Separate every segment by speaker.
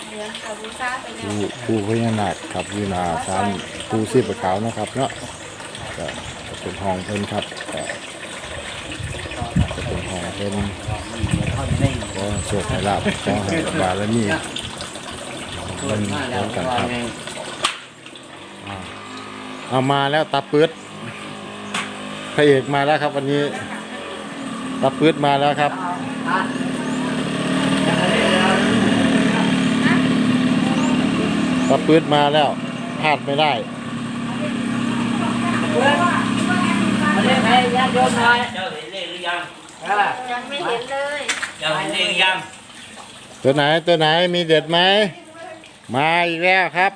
Speaker 1: เหลืองกับบูชาไปแล้ว
Speaker 2: ผู้พญานาคครับอยู่หน้าศาลปู่ชีพขาวนะครับเนาะก็เป็นห้องเพิ่นครับก็เป็นห้องเพิ่นก็โชคให้ลาภขอให้บารมีมันเหมือนกันครับเอามาแล้วตาปื๊ดพระเอกมาแล้วครับวันนี้ตาปื๊ดมาแล้วครับตาปื๊ดมาแล้วพลาดไม่ได้
Speaker 3: เรียกให้ญาติโยมหน่อยเจ้าเห็นเลขหรือยัง
Speaker 1: ยังไม่เห็นเลย
Speaker 3: เจ้าเห็นเลขหรือยัง
Speaker 2: ตัวไหนมีเด็ดไหมมาอีกแล้วครับ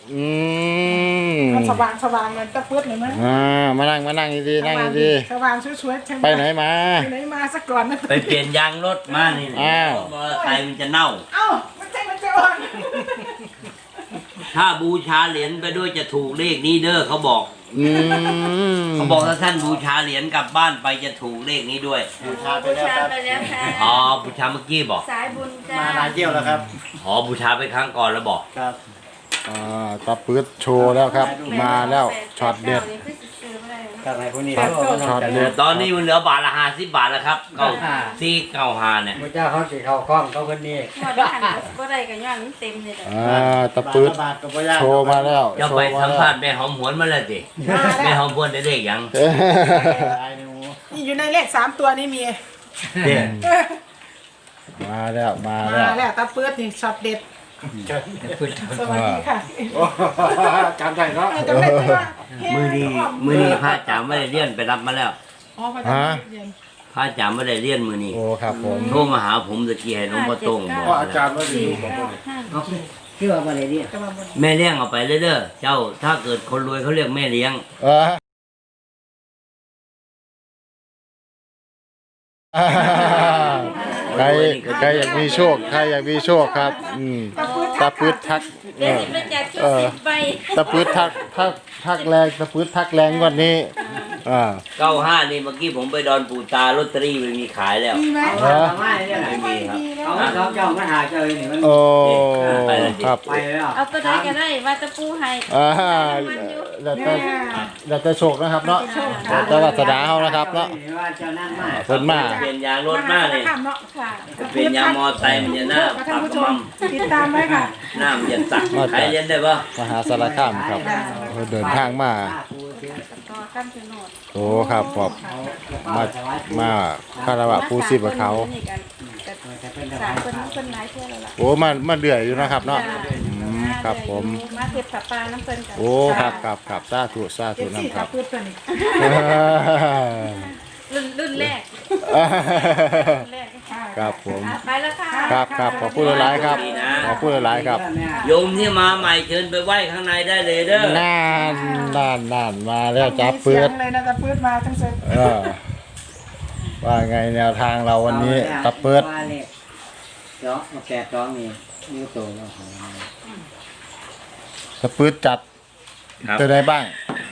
Speaker 4: สว่างเลยตะปื๊ดเห็นไหม
Speaker 2: มานั่งดีๆนั่งดี
Speaker 4: สว่างช่วยๆ
Speaker 2: ไปไหนมา
Speaker 4: สักก่อนนะ
Speaker 3: ไปเปลี่ยนยางรถมานี่มอเตอร์ไซค์มันจะเน่า
Speaker 4: มันจะอ่อน
Speaker 3: ถ้าบูชาเหรียญไปด้วยจะถูกเลขนี้เด้อเขาบอกถ้าท่านบูชาเหรียญกลับบ้านไปจะถูกเลขนี้ด้วย
Speaker 1: บูชาไปแล้วค่ะ
Speaker 3: อ๋อบูชาเมื่อกี้บอก
Speaker 1: สายบุญจ้า
Speaker 5: มาหลายเที่ยวแล้วครับ
Speaker 3: อ๋อบูชาไปครั้งก่อนแล้วบอก
Speaker 5: ครับ
Speaker 2: ตาปื๊ดโชว์แล้วครับมาแล้วช็อตเด็ดช็อตเด็ด
Speaker 3: ตอนนี้มันเหลือบาทละ50 บาทแล้วครับ9495เนี่ย
Speaker 5: พระเจ้าเขาสิเข้าคล้องเขาคนนี้
Speaker 1: หมดหันก็ได้กันย้อนเต็มเลย
Speaker 2: ตาปื๊ดโชว์มาแล้ว
Speaker 3: จะไปสัมภาษณ์แม่หอมหวนมาแล้วสิแม่หอมหวนได้เลขยัง
Speaker 4: นี่อยู่ในเลข3ตัวนี่มี
Speaker 2: มาแล้ว
Speaker 4: ตาปื๊ดนี่ช็อตเด็ดสวัสดีค่ะ
Speaker 5: จำได้เนาะ
Speaker 3: มือนี้พระจ๋าไม่ได้เลี้ยนไปรับมาแล้วพระจ๋าไม่ได้เลี้ยนมือนี้
Speaker 2: โอ้ครับผม
Speaker 3: โทรมาหาผมตะกี้ให้น้องพ่อตรงบอก
Speaker 5: อาจารย์ว่าดีที่ว่าอะไรเนี่ย
Speaker 3: แม่เลี้ยงเอาไปเด้อเจ้าถ้าเกิดคนรวยเขาเรียกแม่เลี้ยง
Speaker 2: ใครอยากมีโชคครับตาปื๊ดทักตาปื๊ดทักแรงตาปื๊ดทักแรงกว่านี้
Speaker 3: 95นี่เมื่อกี้ผมไปดอนปูตาลอตเตอรี่ไม่มีขายแล้ว
Speaker 5: ไม่มีครับเจ้ามาหาเจอนี่มัน
Speaker 2: ครับ
Speaker 1: ไปแล้วเอาตัวใดก็ได้ว่าจะปูให้
Speaker 2: เราจะโชคนะครับเนาะจะวัสดาเขานะครับเนาะเพิ่นมา
Speaker 3: เปลี่ยนยางรถมาเลยเปลี่ยนยางมอไซค์มันจะหน้าปักมั่ม
Speaker 4: ติดตามไว้ค่ะ
Speaker 3: หน้ามันจะสักใครเรียนได้ปะ
Speaker 2: มหาสารคามครับเดินทางมาโอ้ครับผมมาคารวะผู้ชีพเขาโอ้มาเดือยอยู่นะครับเนาะครับผม
Speaker 1: มาเทศปาน้ำเปิ้ลกัน
Speaker 2: โอ้ครับสาธุนะครับ
Speaker 1: รุ่นแรก
Speaker 2: ครับผม
Speaker 1: ไปแล้วค่ะ
Speaker 2: ครับขอพูดหลายครับ
Speaker 3: โยมที่มาใหม่เชิญไปไหว้ข้างในได้เลยเด้อ
Speaker 2: นั่นมาแล้วจับปื๊ด
Speaker 4: เลยนะจับปื๊ดมาทั้งเซ็ต
Speaker 2: ว่าไงแนวทางเราวันนี้จับปื๊ด
Speaker 5: จ้องนี่นิ้วโตแล้ว
Speaker 2: จับปื๊ดจัดตัวไหนบ้าง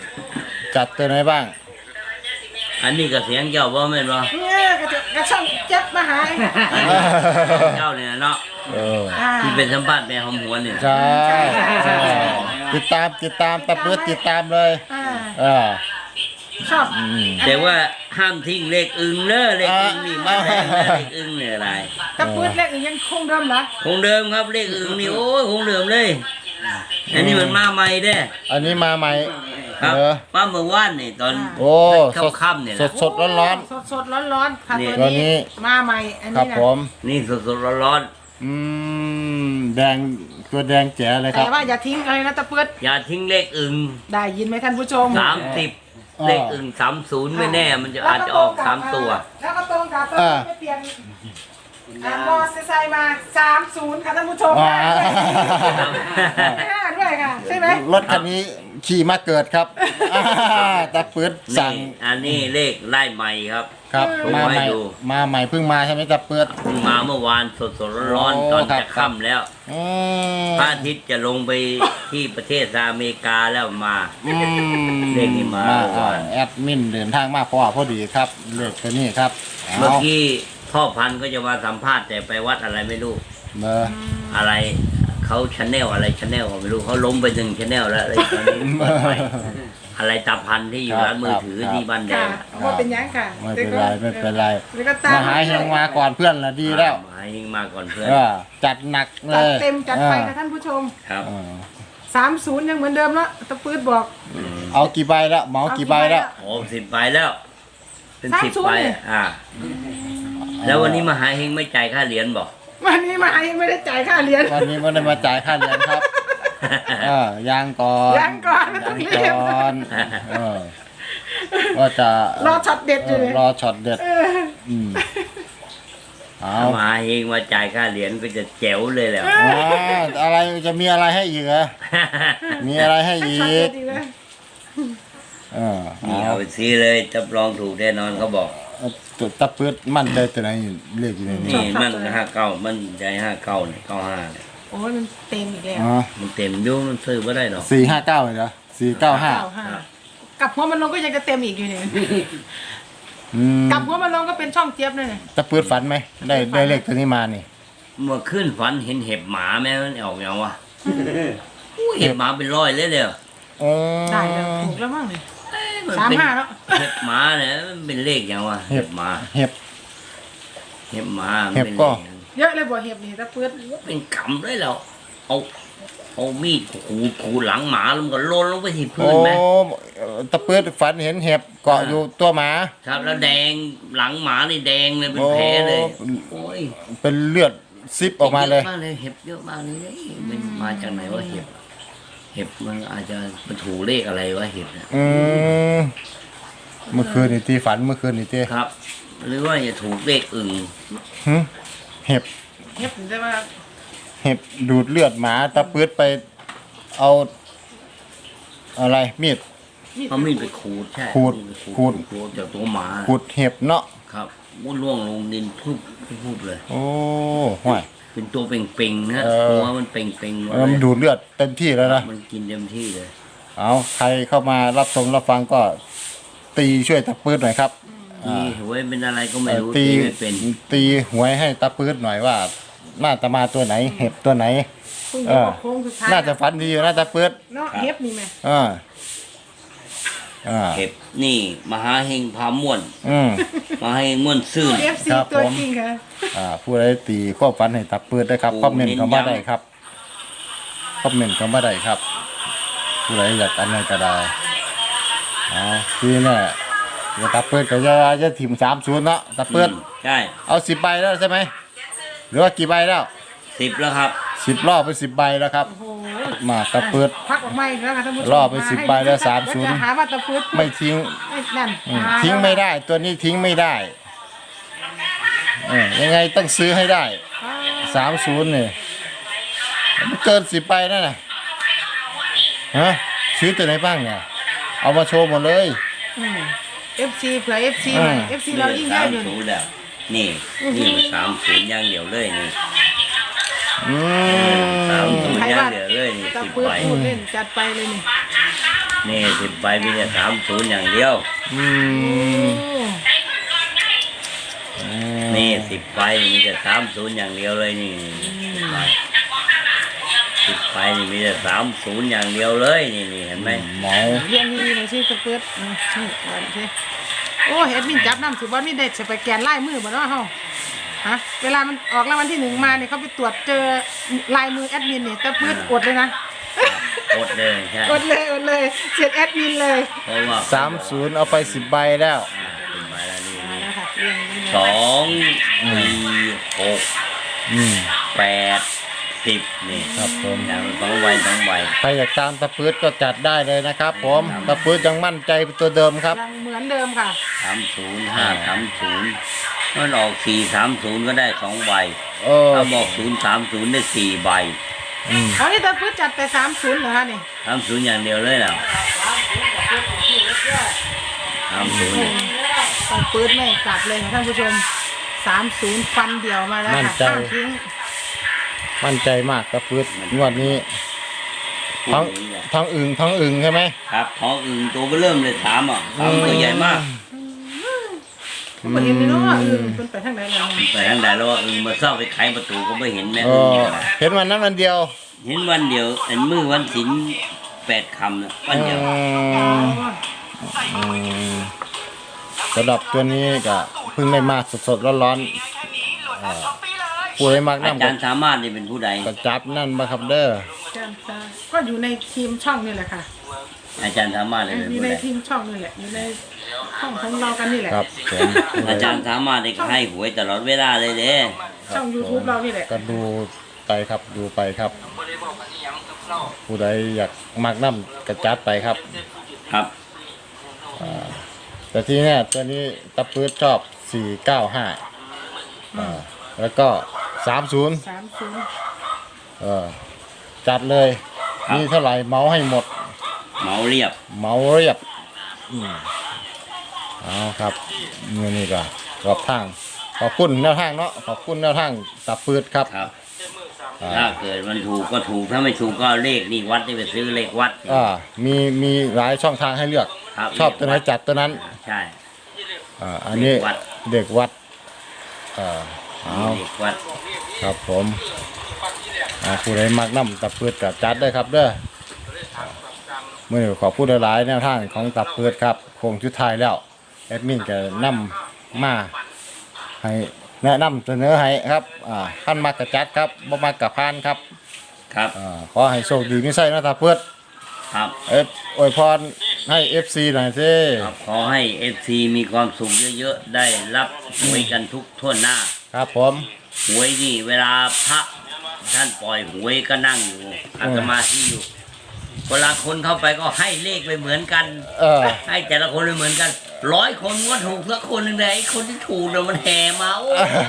Speaker 3: อันนี้ก็เสียงเจ้าบ่แม่นบ่
Speaker 4: กระช่องเจ็บมาหา
Speaker 3: เจ้าเนี่ยเนาะที่เป็นสัมภาษณ์แม่หอมหวนเนี่ย
Speaker 2: ใช่ติดตามตะปื๊ดติดตามเลย
Speaker 4: ชอบ
Speaker 3: แต่ว่าห้ามทิ้งเลขอึงเด้อเลขอึงนี่มาแรงเลขอึงเนี่ยอะไร
Speaker 4: ตะปื๊ดเลขอึงยังคงเดิมเหรอ
Speaker 3: คงเดิมครับเลขอึงนี่โอ้ยคงเดิมเลยอันนี้มันมาใหม่เด้
Speaker 2: อันนี้มาใหม่
Speaker 3: ครับป้าเมื่อวานนี่ตอนค่ำเนี่ย
Speaker 2: สดร้อน
Speaker 4: ค่ะตัวนี้มาใหม่อันนี้นะ
Speaker 3: นี่สดร้อน
Speaker 2: แดงตัวแดงแจ๋เลยครับ
Speaker 4: แต่ว่าอย่าทิ้งอะไรนะตะปื๊ด
Speaker 3: อย่าทิ้งเลขอึง
Speaker 4: ได้ยินไหมท่านผู้ชม
Speaker 3: 30เลขอึง30ไม่แน่มันจะอาจจะออก3ตัว
Speaker 4: แล้วก็ตรงกับตัวไม่เปลี่ยนมอไซค์มา30ค่ะท่านผู้ชมด้วยค่ะใช่ไหม
Speaker 2: รถคันนี้ขี่มาเกิดครับตะปื๊ดสั่ง
Speaker 3: อันนี้เลขไล่ใหม่ครับ
Speaker 2: มาใหม่เพิ่งมาใช่ไหมตะปื๊ด
Speaker 3: เพิ่งมาเมื่อวานสดร้อนตอนจะค่ำแล้วพระอาทิตย์จะลงไปที่ประเทศอเมริกาแล้วมาเลขนี้มา
Speaker 2: แอดมินเดินทางมาพอดีครับเลขตัวนี้ครับ
Speaker 3: เมื่อกี้พ่อพันธุ์ก็จะมาสัมภาษณ์แต่ไปวัดอะไรไม่รู้อะไรเขาชาแนลอะไรชาแนลก็ไม่รู้เขาล้มไป1ชาแนลแล้วอะไรตอนนี้เปิดใหม่อะไรตาพันที่อยู่ร้านมือถือที่บ้านแด
Speaker 4: ค่ะ
Speaker 3: ง
Speaker 4: ว่าเป็นยังค่ะ
Speaker 2: ไม่เป็นไรไม่เป็นไร
Speaker 4: แล้วก็ตาม
Speaker 2: มาหาเฮงมาก่อนเพื่อนละดีแล้ว
Speaker 3: มาให้มาก่อนเพื่อน
Speaker 2: จัดหนักเล
Speaker 4: จัด
Speaker 2: ย
Speaker 4: เต็มจัดไปค่ะท่านผู้ชม
Speaker 3: ครับ
Speaker 4: 30ยังเหมือนเดิมแล้วตะปื๊ดบอก
Speaker 2: เอากี่ใบแล้วเหมากี่ใบแล้ว
Speaker 3: โอ้10 ใบแล้ว เป็น 10 ใบ
Speaker 4: เนี่ย
Speaker 3: แล้ววันนี้มหาเฮงไม่จ่ายค่าเหรียญบอก
Speaker 4: วันนี้มายังไม่ได้จ่ายค่าเรียน
Speaker 2: วันนี้ไม่ได้มาจ่ายค่าเรียนครับยังก่อน
Speaker 4: ยังก่อนไม่ต้องรีบ
Speaker 2: ยังก่อนว่าจะ
Speaker 4: รอช็อตเด็ดอยู่เลย
Speaker 2: รอช็อตเด็ดเอา
Speaker 3: ถ้ามหาเฮงมาจ่ายค่าเหรียญก็จะแจ๋วเลยแหละ
Speaker 2: อะไรจะมีอะไรให้อีกเหรอมีอะไรให้
Speaker 4: ให้
Speaker 2: อี
Speaker 4: ช็อตเด็
Speaker 2: ก
Speaker 4: ดอีกเลย
Speaker 3: นี่เอาไปซื้อเลยรับรองถูกแน่นอนเขาบอก
Speaker 2: ตัวตะปืดมั่นใจตัวไหนเลขอยู่ในนี้
Speaker 3: นี่มัน59มันใจ59เนี่ย95เนี่ย
Speaker 4: โอ้ยมันเต็มอีกแล้ว
Speaker 3: มันเต็มอยู่มันซื้อไม่ได้หรอก
Speaker 2: 459เหรอ495
Speaker 4: กลับหัวมันลงก็ยังจะเต็มอีกอยู่เนี่ยกลับหัวมันลงก็เป็นช่องเจี๊ยบเลยเนี่ย
Speaker 2: ตะปืดฝันไหมได้เลขตัวนี้มานี่
Speaker 3: เมื่อขึ้นฝันเห็นเห็บหมาแม่มันออกยังวะเห็บหมาเป็นร้อยเลยเดียว
Speaker 4: ได้แล้วถูกแล้วมั้งเนี่ย
Speaker 3: มัน
Speaker 4: 35แล้ว
Speaker 3: เห็บหมาเนี่ยมันเป็นเลขยังวะเห็บหมา
Speaker 2: เห็บ
Speaker 3: เห็บหมามัน
Speaker 2: เห็บ
Speaker 3: เป็น
Speaker 2: ก็
Speaker 3: เลข
Speaker 4: เยอะเลยบ่เห็บนี่ตะปื๊ด
Speaker 3: เป็นกำเลยแล้วเอามีดขูดหลังหมาแล้วมันก็โลนลงไปที่พื้
Speaker 2: โอ้
Speaker 3: นไหม
Speaker 2: ตะปืดฝันเห็นเห็บเกาะอยู่ตัวหมา
Speaker 3: ครับแล้วแดงหลังหมานี่แดงเลยเป็นแผลเลยโอ้ย
Speaker 2: เป็นเลือดซิบออกมาเลย
Speaker 3: เยอะมากเลยเห็บเยอะมากเลยมันมาจากไหนวะเห็บมันอาจจะมันถูกเลขอะไรวะเห็บเนี่ย
Speaker 2: เมื่อคืนนี่ตีฝันเมื่อคืนนี่ตี
Speaker 3: ครับ หรือว่าจะถูกเลขอื่น
Speaker 2: เห็บ
Speaker 4: เห็บแต่ว่า
Speaker 2: เห็บดูดเลือดหมาตะปืดไปเอาอะไรมีด
Speaker 3: เขามีดไปขูดใช่
Speaker 2: ขูด
Speaker 3: จากตัวหมา
Speaker 2: ขูดเห็บเนาะ
Speaker 3: ครับวุ้นล่วงลงดินทุบเลย
Speaker 2: โอ้ห่วย
Speaker 3: เป็นตัวเป่งๆนะ
Speaker 2: เออ
Speaker 3: ตัวมันเป่งๆหมด
Speaker 2: มัน
Speaker 3: เลย
Speaker 2: ดูดเลือดเต็มที่แล้วนะ
Speaker 3: มันกินเต็มที่เลย
Speaker 2: เอาใครเข้ามารับชมรับฟังก็ตีช่วยตะปืดหน่อยครับ
Speaker 3: ตีหวยเป็นอะไรก็ไม่รู้
Speaker 2: ตี
Speaker 3: ไม่เป็น
Speaker 2: ตีหวยให้ตะปืดหน่อยว่าน่าจะมาตัวไหน เห็บตัวไหน
Speaker 4: คุณจะบอกโค้งสุดท้าย
Speaker 2: น่าจะฝันดีอยู่นะตะปืด
Speaker 4: เนาะเห็บนี่ไหม
Speaker 2: อ่า
Speaker 3: เห็บนี่มหาเฮงพาม่วน
Speaker 2: อืม
Speaker 3: มหาเฮงม่วนซื่น
Speaker 4: FC
Speaker 2: ครับ
Speaker 4: ตัว
Speaker 2: ผม
Speaker 4: จริงค่ะ
Speaker 2: ผู้ใดตีข้อฝันให้ตะปืดได้ครับ
Speaker 3: โอ้
Speaker 2: คอมเมนต์เข้ามา
Speaker 3: เน้นย้ำ
Speaker 2: ได้ครับคอมเมนต์เข้ามาได้ครับ ผู้ใดอยากอันไหนก็ได้ทีนี้อย่าตะปืดก็จะถิ่ม30เนาะตะปืด
Speaker 3: ใช่
Speaker 2: เอา10ใบแล้วใช่ไหมหรือว่ากี่ใบแล้ว
Speaker 3: 10แล้วครับ
Speaker 2: 10รอบไป10ใบแล้วครับ
Speaker 4: โอ้โห
Speaker 2: มาตะปืด
Speaker 4: พักออกมาอีกแล้วค่ะท่านผู้ชม
Speaker 2: รอบไป10
Speaker 4: ให้
Speaker 2: ใบแล้ว
Speaker 4: จะ
Speaker 2: 30
Speaker 4: หาว่าตะปื๊ด
Speaker 2: ไม่ทิ้ง
Speaker 4: นั่น
Speaker 2: ทิ้งไม่ได้ตัวนี้ทิ้งไม่ได้ยังไงต้องซื้อให้ได้30เนี่ยมันเกิน10ใบนั่นน่ะซื้อตัวไหนบ้างเนี่ยเอามาโชว์หมดเลย
Speaker 4: FC เผื่อ FC หน่อย FC เรายิ่งเยอะอยู่
Speaker 3: 30แล้วนี่นี่มัน30อย่างเดียวเลยนี่ 30
Speaker 4: ใคร
Speaker 3: อย่าง
Speaker 4: ว่า
Speaker 3: เดียวเลยนี่
Speaker 4: ตะ
Speaker 3: 10
Speaker 4: ปื๊ด
Speaker 3: ใบ
Speaker 4: พูดเล่นจัดไปเลยนี่
Speaker 3: นี่10ใบมีแต่30อย่างเดียว นี่10ใบมีแต่30อย่างเดียวเลยนี่10ใบนี่มีแต่30อย่างเดียวเลยนี่เห็นไหม
Speaker 2: หมอ
Speaker 4: เรียงดีๆหน่อยสิตะปื๊ดนี่ก่อนสิโอ้แอดมินจับน้ำสิบ่นี่ได้สแกนลายมือบ่เนาะเฮาฮะเวลามันออกรางวัลที่1มาเนี่ยเขาไปตรวจเจอลายมือแอดมินนี่ตะปื๊ดอดเลยนะ
Speaker 3: อดเลยใช่
Speaker 4: อดเลยเสร็จแอดมินเลย
Speaker 3: เพราะว่า
Speaker 2: 30เอาไป10ใบแล้ว
Speaker 3: 10ใบแล้วนี่
Speaker 4: นะคะเรียงดีๆ
Speaker 3: 2 4 6 8 10นี่
Speaker 2: ครับผม
Speaker 3: อย่าง2ใบ2ใบ
Speaker 2: ใครอยากตามตะปืดก็จัดได้เลยนะครับผมตะปืดยังมั่นใจเป็นตัวเดิมครับ
Speaker 4: ยังเหมือนเดิมค่ะ
Speaker 3: 30 530มันออก430ก็ได้2ใบ ถ้าบอก030ได้4ใบ
Speaker 4: เอานี่ตะปื๊ดจัดไป30เหรอคะนี่
Speaker 3: 30อย่างเดียวเลยนะ30เนี่ย
Speaker 4: ตะปื๊ดไม่กลับเลยค่ะท่านผู้ชม30ฟันเดียวมาแล้ว
Speaker 2: มั่น
Speaker 4: ค่ะ
Speaker 2: ใจ
Speaker 4: ข้างทิ้ง
Speaker 2: มั่นใจมากตะปืดงวดนี้
Speaker 3: พว
Speaker 2: ทั้
Speaker 3: ก
Speaker 2: ง
Speaker 3: นี้เนี่ย
Speaker 2: ทั้งอึ่งใช่ไหม
Speaker 3: ครับท้องอื่นตัวก็เริ่มเลยถามตัวใหญ่มาก
Speaker 4: ผมบ่เห็นเลยเนาะมันไปทางไหนแล้ว
Speaker 3: ไปทางใดแล้วว่ามาเศร้าไปไขประตูก็ไม่เห็นแม่
Speaker 2: เห็นวันนั้นวันเดียว
Speaker 3: เห็นวันเดียวอันมือวันศิล8 คำนะวันเดียว
Speaker 2: สำหรับตัวนี้ก็เพิ่งได้มาสดๆร้อนๆผู้ใดมัก
Speaker 3: อา
Speaker 2: น้ำ
Speaker 3: จารย์สามารถนี่เป็นผู้ใด
Speaker 2: ก็จับนั่นมาครับเด้อ
Speaker 4: ก็อยู่ในทีมช่องนี่แหละค่ะ
Speaker 3: อาจารย์สามารถนี่เป็น
Speaker 4: อยู่
Speaker 3: ผู้
Speaker 4: ใน
Speaker 3: ใด
Speaker 4: ทีมช่องนี่แหละอยู่ในช่องของเรากันนี่แหละ
Speaker 2: ครับผม
Speaker 3: อาจารย์สามารถนี่ก็ให้หวยตลอดเวลาเลยเด้
Speaker 4: ช่อง YouTube เรานี่แหละ
Speaker 2: ก็ดูไปครับดูไปครับ ผู้ใดอยากมักน้ำก็จัดไปครับ
Speaker 3: ครับ
Speaker 2: แต่ที่แน่ตัวนี้ตะปื้ดชอบ495แล้วก็30
Speaker 4: 30
Speaker 2: จัดเลยมีเท่าไหร่เมาให้หมด
Speaker 3: เหมาเรียบ
Speaker 2: เมาเรียบเอาครับนี่ก็ขอบทางขอบคุณแนวทางเนาะขอบคุณแนวทางตะปื้ดครับ
Speaker 3: ครับ ถ้าเกิดมันถูกก็ถูกถ้าไม่ถูกก็เลขนี่วัดนี่ไปซื้อเลขวัด
Speaker 2: มีหลายช่องทางให้เลือก
Speaker 3: ครับ
Speaker 2: ชอบตัวไหนจัดตัวนั้น
Speaker 3: ใช่
Speaker 2: อันนี้
Speaker 3: เด็กวัด
Speaker 2: เด็กวัดเอา
Speaker 3: เลขวัด
Speaker 2: ครับผมผู้ใดมักน้ำตะเพืดกับจัดได้ครับเด้อเมื่อขอพูดหลายๆแนวทางของตะเพืดครับโคงชุดไทายแล้วแอดมินก็นำมาให้แนะนำเสนอให้ครับท่านมักกะจัดครับบ่มักกะพานครับ
Speaker 3: ครับ
Speaker 2: ขอให้โชคดีไม่ใช่นะตะเพืด
Speaker 3: ครับ
Speaker 2: อวยพรให้ FC หน่อยสิ
Speaker 3: ครับขอให้ FC มีความสุขเยอะๆได้รับหวยกันทุกทั่วหน้า
Speaker 2: ครับผม
Speaker 3: หวยนี่เวลาพระท่านปล่อยหวยก็นั่งอยู่อาตมาที่อยู่เวลาคนเข้าไปก็ให้เลขไปเหมือนกัน ให้แต่ละคนไม่เหมือนกัน100 คนก็ถูกสักคนหนึ่งเลยไอ้คนที่ถูกเนี่ยมันแห่มาโอ้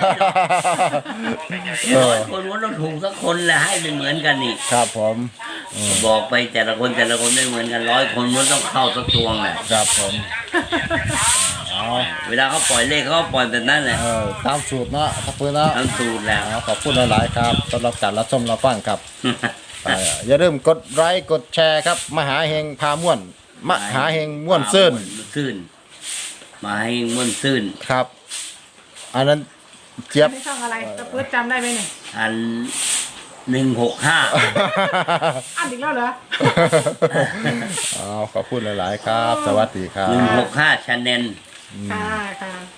Speaker 3: ย100 คนก็ต้องถูกสักคนแหละให้เป็นเหมือนกันนี่
Speaker 2: ครับผม
Speaker 3: บอกไปแต่ละคนไม่เหมือนกัน100 คนมันต้องเข้าสักตวงแหละ
Speaker 2: ครับผมเอา
Speaker 3: เวลาเขาปล่อยเลขเขาก็ปล่อยแบบนั้นแหละ
Speaker 2: ตามสูตรเนาะตะเพืดเนาะ
Speaker 3: ทั้งสูตรแล้ว
Speaker 2: ขอบคุณหลายๆครับสำหรับการรับชมรับฟังครับ อย่าลืมกดไลค์กดแชร์ครับมหาเฮงพาม่วนมหาเฮงม่วนซื่น
Speaker 3: ซื่นมาให้ม่วนซื่น
Speaker 2: ครับ อันนั้นเจี๊ยบ
Speaker 4: ในช่องอะไรตะปื้ดจำได้ไหมเนี่ย
Speaker 3: อัน165
Speaker 4: อันอีกแล้วเหรอ
Speaker 2: ขอบคุณหลายๆครับ สวัสดีครับ
Speaker 3: 165 ชาแนล
Speaker 4: ค่ะ